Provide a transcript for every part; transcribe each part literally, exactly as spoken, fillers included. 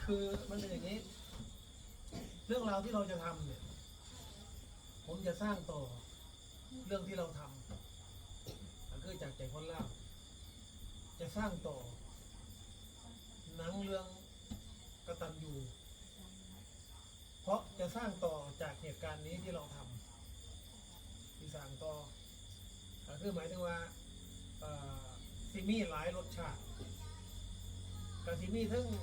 คือมันเป็นอย่างนี้เรื่องราวที่เราจะทำเนี่ยผมจะสร้างต่อเรื่องที่เราทำก็คือจากใจคนเล่าจะสร้างต่อหนังเรื่องกตัญญูเพราะจะสร้างต่อจากเหตุการณ์นี้ที่เราทำที่สร้างต่อก็คือหมายถึงว่าซิมีหลายรสชาติกับซิมีทั้ง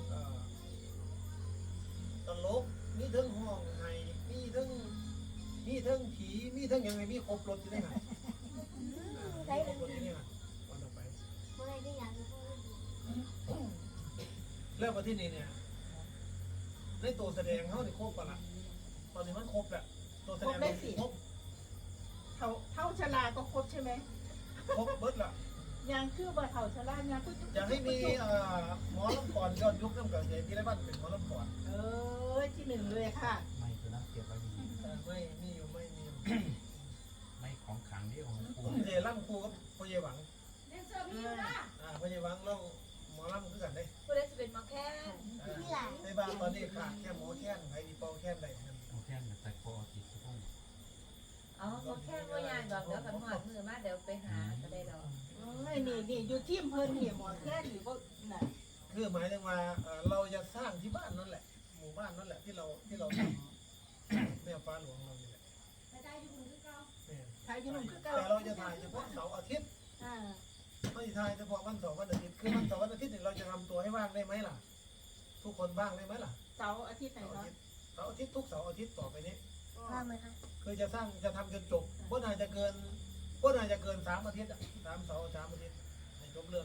ตลกมีทั้งห้องไห้มีทั้งมีทั้งผีมีทั้งยังไงมีครบรถอยู่ในหันใช่ครบรถอยู่ในหันก่อนต่อไปเรื่องประเทศนี้เนี่ยในตัวแสดงเขาได้ครบปะละตอนนี้มันครบแหละตัวแสดงครบเท่าเท่าชลาก็ครบใช่ไหมครบเบิดละยังคือบ่เท่าชลายังคืออยากให้มีหมอลำก่อนย้อนยุคน้ำเกิดใหญ่ที่ไรบ้านเป็นหมอลำก่อนเออที่หนึ่งเลยค่ะไม่คือน้ำเก็บไว้ดีไม่มีอยู่ไม่มีไม่ของขังที่ของครูเจล่ำครูก็พ่อเยหวังเล่นเซอร์พี่นะอ่าพ่อเยหวังเราหมอลำคือกันได้ผู้เล่นจะเป็นมาแค่ในบ้านตอนนี้ขาดแค่หมอแค้นไผ่ดีเป่าแค้นได้หมอแค้นแต่คอติดทุกคนอ๋อหมอแค่ว่ายางดอกเดี๋ยวกันหอดมือมาเดี๋ยวไปหาก็ได้ดอกไม่นี่นี่อยู่ที่อำเภอเนี่ยหมอแค่หรือว่าน่ะคือหมายถึงว่าเราจะสร้างที่บ้านนั่นแหละหมู่บ้านนั่นแหละที่เราที่เราทำแม่ฟ้าหลวงเราเนี่ยไปได้อยู่คือเก่าถ่ายอยู่นู่นคือเก่าแต่เราจะถ่ายเฉพาะเสาร์อาทิตย์ไม่ถ่ายเฉพาะวันเสาร์วันอาทิตย์คือวันเสาร์วันอาทิตย์เนี่ยเราจะทำตัวให้ว่างได้ไหมล่ะทุกคนบ้างได้ไหมล่ะเสาร์อาทิตย์ไหนเนาะเสาร์อาทิตย์ทุกเสาร์อาทิตย์ต่อไปนี้ว่างไหมคะคือจะสร้างจะทำจนจบว่าน่าจะเกินว่าน่าจะเกินสามอาทิตย์อ่ะสามเสาร์สามอาทิตย์ในจบเรื่อง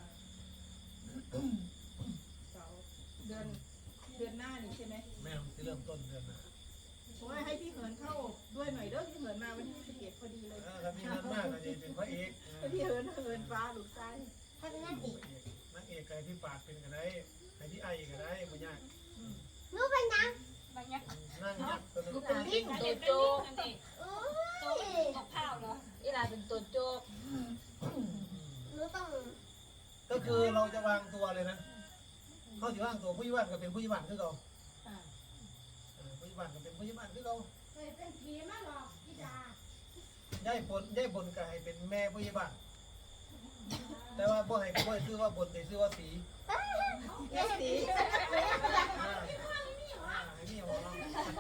เสาร์เดือนเดือนหน้านี่ใช่ไหมแม่จะเริ่มต้นเดือนหน้าผมว่าให้พี่เหินเข้าด้วยหน่อยเด้อพี่เหินมาวันที่สิบเอ็ดพอดีเลยถ้ามีเงินมากก็จะเป็นพระเอกพี่เหินเหินฟ้าลูกชายถ้าเป็นนักเอกนักเอกใครที่ปาดเป็นกันได้ใครที่ไอก็ได้ไม่ยากรู้เป็นยังบางอย่างนั่งยักษ์ตัวนึงเป็นลิ้นตัวโจ๊กนั่นเองโจ๊กกับข้าวเนาะอีหลาเป็นตัวโจ๊กรู้ต้องก็คือเราจะวางตัวเลยนะเขาจะวางตัวผู้ยิบันก็เป็นผู้ยิบันคือเราผู้ยิบันก็เป็นผู้ยิบันคือเราเป็นผีมาหรอกพี่ดาย่ายบนย่ายบนก็ให้เป็นแม่ผู้ยิบันแต่ว่าบ่ให้บ่ให้ซื้อว่าบนแต่ซื้อว่าสีสีนี่หัวเรา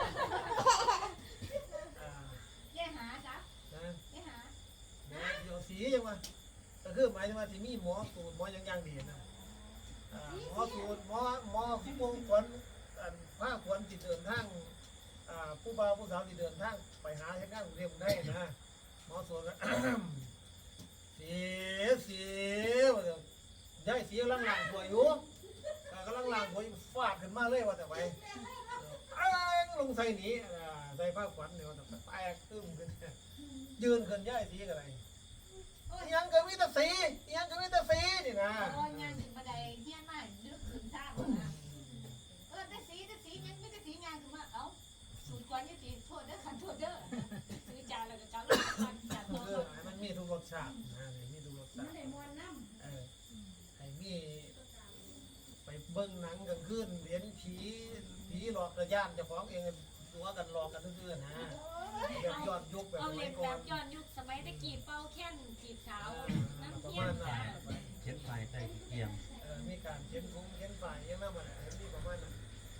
แย่หาจ้ะแย่หาเดี๋ยวสียังมาก็คือหมายถึงว่าที่มีหมอสูตรหมอยังยังดีนะหมอสูตรหมอหมอที่วงขวัญผ้าขวัญติดเดินทางผู้บ่าวผู้สาวติดเดินทางไปหาเช่นนั้นเรียกได้นะหมอสูตรสีสีย้ายสีกำลังหลังหัวอยู่กำลังหลังหัวฟาดขึ้นมาเลยว่าแต่ไปลงใส่หนีใส่ผ้าขวัญเดี๋ยวแต่แตกตึ้มขึ้นยืนขึ้นย้ายสีอะไรยังก็มีแต่สียังก็มีแต่สีนี่นะโอ้ยงานถึงบันไดเฮี้ยนมากลึกขึ้นท่านะเออแต่สีแต่สียังไม่แต่สีงานถึงมาเอ้าสูตรกวนยี่สีโทษเด้อขันโทษเด้อซื้อจานแล้วก็จานแล้วก็จานโทษมันมีทุกรสชาตินะมีทุกรสชาติมันได้มวนน้ำเออไอ้มีไปเบิ้งหนังกันขึ้นเห็นผีผีหลอกกระยานจะฟ้องเองตัวกันหลอกกันซื่อๆนะแบบย้อนยุคแบบเอาเล่นแบบย้อนยุคสมัยตะกี้เป้าแค้นจีบสาวน้ำเทียนจ้ะเข็นไฟใต้เกียงเออมีการเข็นคุ้งเข็นไฟยังนั่นมาเห็นที่ประมาณนั้น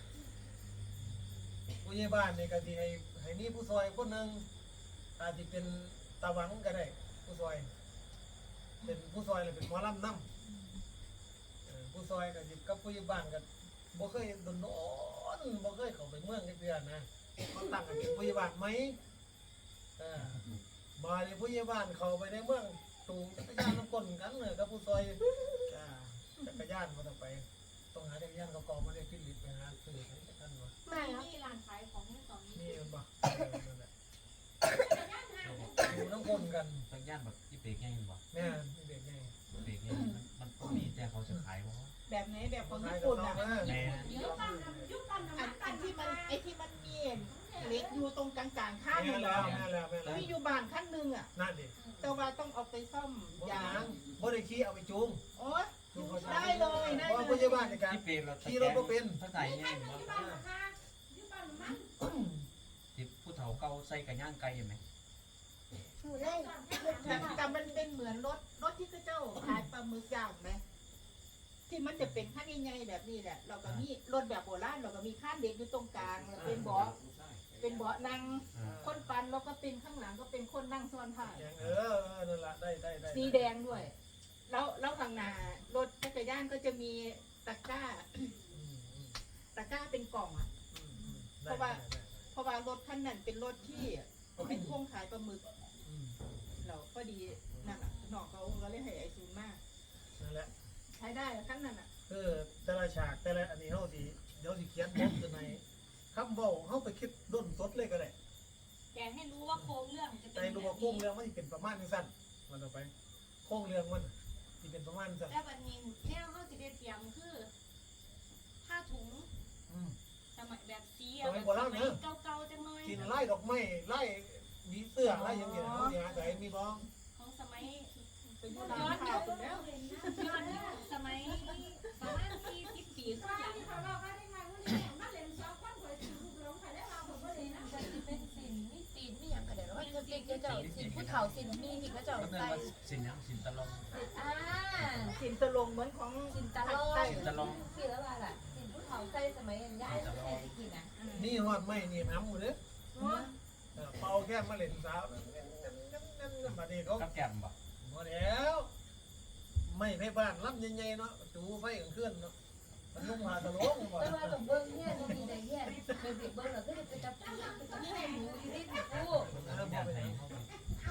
ผู้ใหญ่บ้านในการที่ให้ให้นี่ผู้ซอยคนหนึ่งอาจจะเป็นตาหวังก็ได้ผู้ซอยเป็นผู้ซอยเลยเป็นหมอลำน้ำผู้ซอยกับกับผู้ใหญ่บ้านกับบ่เคยโดนโอนบ่เคยเข้าไปเมืองเดือนนะเขาตั้งกันเป็นผู้ใหญ่บ้านไหมมาในผู้ใหญ่บ้านเขาไปในเมืองตูงจักรยานน้ำก้นกันเลยกับผู้ซอยจักรยานมาต่อไปต้องหาจักรยานเขากองมาได้ฟิลิปไปหาซื้อให้ท่านวะไม่มีร้านขายของตอนนี้นี่มันบ่นั่นแหละอยู่น้ำก้นกันจักรยานแบบที่เบรกง่ายบ่แม่ที่เบรกง่ายเบรกง่ายมันก็มีแต่เขาจะขายว่าแบบไหนแบบของญี่ปุ่นอ่ะอันที่มันไอที่มันมีเล็กอยู่ตรงกลางๆข้างนี่แหละมีอยู่บ้านขั้นหนึ่งอ่ะนั่นดิแต่ว่าต้องเอาไปซ่อมยางบริคีเอาไปจูงโอ้ยจูงเขาใช้ได้เลยได้เพราะเลผู้ยใหญ่บ้านในการที่เป็นเราขี่รถบ่เป็นถ้าใส่แง่งบ่ที่ผู้เฒ่าเก่าใส่กระย่างไก่เห็นไหมหนูเลยแต่แต่มันเป็นเหมือนรถรถที่เจ้าขายปลาหมึกย่างไหมที่มันจะเป็นขั้นใหญ่ๆแบบนี้แหละเราก็มีรถแบบโบราณเราก็มีข้านเด็กอยู่ตรงกลางแล้วเป็นเบาะเป็นเบาะนั่งอ่าคนปันแล้วก็เป็นข้างหลังก็เป็นคนนั่งซ้อนท้ายเออเออนั่นละได้ได้ได้สีแดงด้วย แล้วแล้วข้างหน้ารถจักรยานก็จะมีตะกร้าอืมอืมตะกร้าเป็นกล่องอ่ะอืมอืมได้เพราะว่าได้ได้เพราะว่ารถคันนั้นเป็นรถที่เป็นพ่วงขายปลาหมึกอืมเราก็ดีนั่นแหละนอกเขาก็เลยให้ไอซูนมากนั่นแหละใช้ได้ขั้นนั้นอ่ะคือแต่ละฉากแต่ละอันนี้เฮาสิเดี๋ยวสิเขียนบทขึ้นในคำเว้าเฮาไปคิดด้นสดเลยก็ได้แกให้รู้ว่าโครงเรื่องจะแต่เป็นรู้แบว่าบโครงนี้เรื่องมันสิเป็นประมาณจังซั่นมันต่อไปโครงเรื่องมันสิเป็นประมาณจังซั่นแต่วันนี้แนวเขาจะได้เตรียมคือผ้าถุงอืมสมัยแบบสีสมัยโบราณเนอะเก่าๆจังเลยกินไล่ดอกไม้ไล่มีเสื้อไล่อย่างเงี้ยเฮาสิหาใส่มีบ้องของสมัยเป็นโบย้ราอณนข่ายุวคถูกแล้วย้อนยุคสมัยประมาณสี่สิบปีขึ้นหลังเป็นสินมีตีนมีอย่างก็ได้ว่าจะเป็นเจ้าสินผู้เฒ่าสินมีที่เขาเจ้าก็เนื่องใส่ว่าสินยังสินตะลองอ่าสินตะลงเหมือนของสินตะลอใต้งสิแล้วว่าล่ะสินผู้เฒ่าใส่สมัยย้ายใส่กินอ่ะนี่ฮอดไม้นี่น้ำหมดเด้อเออเป่าแค่มาเล่นสาวนั่นๆๆๆบัดนี้เขากับแก้มบ่บ่แล้วไม่ไปบ้านลำใหญ่ๆเนาะจูไฟกลางคืนเนาะมันนุ่งผ้าตะโลงบ่แต่ว่าแบบเบิ้งเนี่ยมีแต่เนี่ยเป็นเบิ้งแล้วก็จะเป็นจับเป็นจับเป็นหมูอยู่ที่ผู้เออบ่ย่างไปไหนไหนเขา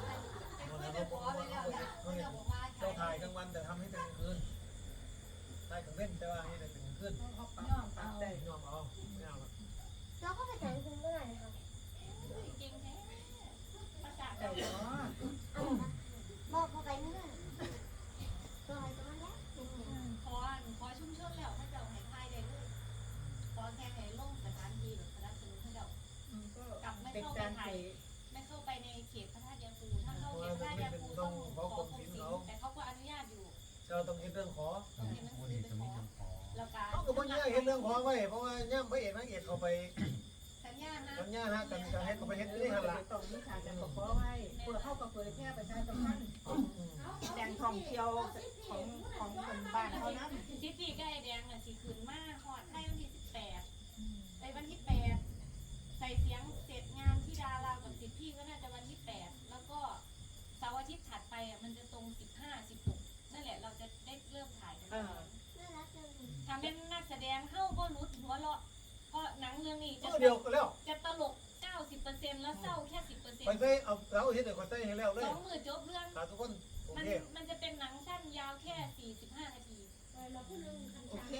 เจ้าถ่ายกลางวันแต่ทำให้เป็นกลางคืนถ่ายกลางเว้นแต่ว่าให้เป็นกลางคืนย่อมเอาได้ยอมเอาไม่เอาละเราก็ไปแต่งคุณเมื่อไหร่นะครับจริงแท้ภาษาแต่เนาะบอกเขาไปเมื่อตัวอะไรตัวนั้นแหละเป็นไงขอขอชุ่มชนแล้วถ้าเจ้าให้ทายได้เลยขอแค่ให้ลงสถานที่แบบสนับสนุนให้เจ้าก็เป็นการไปไม่เข้าไปในเขตพระธาตุยาคูถ้าเข้าเขตพระธาตุยาคูต้องขอกรมศิลป์แต่เขาก็อนุญาตอยู่เจ้าต้องเห็นเรื่องขอต้องผู้นี้จะมีคำขอแล้วก็เขาก็บ่ยากเห็นเรื่องขอไว้เพราะว่าย่ำพระเอกนางเอกเขาไปสัญญานะสัญญาฮะกันจะให้เขาไปเฮ็ดนี่หั่นล่ะต้องมีฉากแต่ขอขอไว้เพื่อเข้ากับเผยแพร่ประชาสัมพันธ์แหล่งท่องเที่ยวของของคนบ้านเขานั้นซิตี้ก็ไอแดงน่ะสิคืนมาหอดให้วันที่สิบแปดไปวันที่แปดใส่เสียงเสร็จงานที่ดารากับสิบพี่ก็น่าจะวันที่แปดแล้วก็เสาร์อาทิตย์ถัดไปอ่ะมันจะตรงสิบห้าสิบหกนั่นแหละเราจะได้เริ่มถ่ายกันน่ารักจังเลยทำเป็นนักแสดงเข้าก็รุดหัวเราะเพราะหนังเรื่องนี้จะเมื่อเดียวก็แล้วจะตลก เก้าสิบเปอร์เซ็นต์ แล้วเศร้าแค่ สิบเปอร์เซ็นไปต์ใส่เอาเราเฮ็ดให้เขาใส่ให้แล้วเลยสองมือจบเรื่องขาทุกคนโอมันเคมันจะเป็นหนังสั้นยาวแค่ สี่สิบห้า นาทีโอเค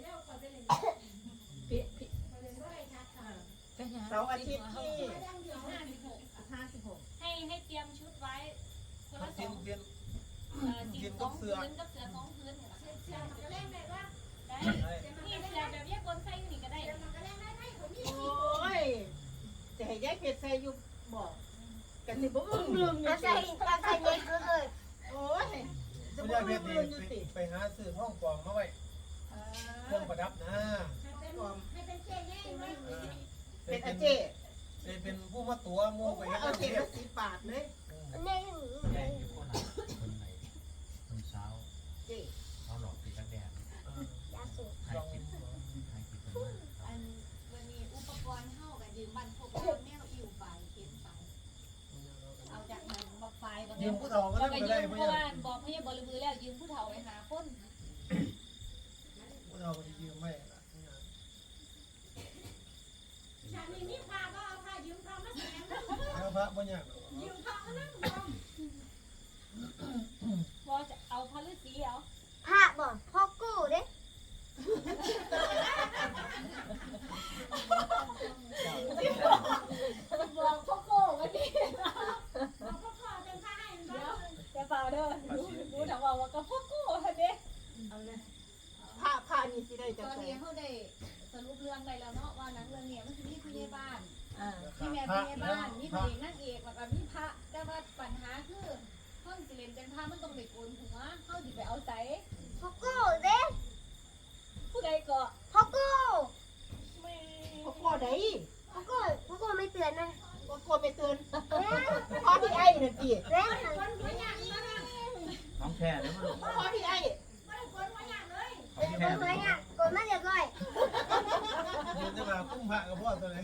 พี่พี่เสาร์อาทิตย์ที่สิบห้า สิบหกห้าสิบหกให้ให้เตรียมชุดไว้คนละสเปลี่อยนงเปลี่ยนเอ่อสีสองพื้นกับเสือสองพื้นเนี่ยได้นี่เสือแบบแยกบนไส้นี่ก็ได้โอ้ยจะให้ยายเพชรใส่อยู่บอกกันสิบ่อึ้งเรื่องอยู่เอาสิใส่เอาใส่เล็กเลยโอ้ยจะไม่บ่ได้อึ้เฮ็งดดีเรื่องอยู่สิไปหาซื้อห้องกองมาไว้เครื่องประดับนะเป็นอาเจเป็นผู้มาตัวมูไปเฮ็ดเอาเรื่องเจ็ดเฮ็ดสิบบาทเลยแม่หนูแย่งอยู่โคราชคนไหนคนเช้าเจเขาหลอกติดกระแดดยาสูบถ่ายคลิปถ่ายคลิปกันมากครับอันวันนี้อุปกรณ์เท่ากับยืมบันพกแมวอิ่วไปเข็นไปเอาจากไหนบักไฟบักยืมผู้เฒ่าก็ก็ได้ยืไม่ได้มไม่เพราะได้ว่าบอกให้บริบือแล้วยืมผู้เฒ่าไปหาคนผู้เฒ่าก็ยืมไม่ละ แล้วพระบ่ยากพอจะเอาพระฤาษีเอาพระบอกพ่อกู้เด้บอกพ่อโก้วันนี้จะเปล่าเด้อรู้รู้ถามว่าว่ากับพ่อโก้ค่ะเด้เอาเลยผ้าผ้านี่สิได้ตจะอนใส่นี้เขาได้สรุปเรื่องไปแล้วเนาะว่าหนังเรื่องนี้มันคือมีผู้ใหญ่บ้านอ่ามีแม่ผู้ใหญ่บ้านมีพระเอกนางเอกแล้วก็มีพระแต่ว่าปัญหาคือห้องสิเลนเป็นพระมันต้องไปโกนหัวเขาสิไปเอาใสพ่อกู้ดเกาะพ่อโก้พ่อโก้ไหนพ่อโก้พ่อโก้ไม่เตือนนะพ่อโก้ไปเตือนพ่อพี่ไอ้นั่นสิแล้วของแท้เลยมั้งลูกพ่อพี่ไอ้ของคแท้นเลไว้ยอ่ะกดมาเรียบร้อยเดี๋ยวจะมาคุ้มพระกับพ่อตัวไหน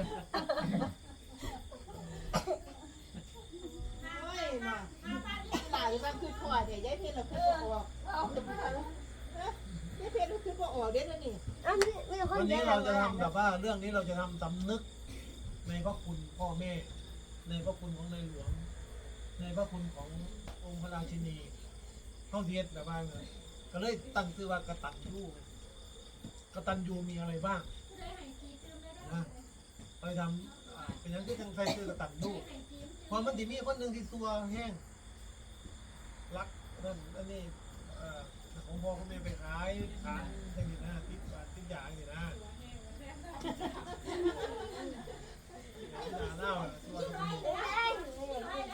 โอ้ยน่ะหลายวันคือพ่อเดี๋ยวยายเพชรเราคือพ่อออกเอาแต่พ่อยายเพชรเราคือพ่อออกเด้อนี่อ้าวมีมีคนวันเดีนี้ยวเราจะทำแบบว่าเรื่องนี้เราจะทำสำนึกในพระคุณพ่อแม่ ในพระคุณของในหลวง ในพระคุณขององค์พระราชินีเข้าเทียดแบบว่าเลยก็เลยตั้งชื่อว่ากตัญญูกตัญญูมีอะไรบ้างนะไปทำอ่าเป็นอย่างที่ทางใครชื่อกตัญญูเพราะมันจะมีคนหนึ่งที่ตัวแห้งรักนั่นอันนี้เอ่อของพ่อของแม่ไปขายขายอย่างนี้นะติดบาทติดยาอย่างนี้นะที่นาเน่าอะตัวจะมี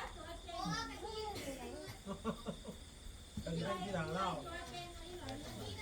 ก็จะเป็นที่นาเน่า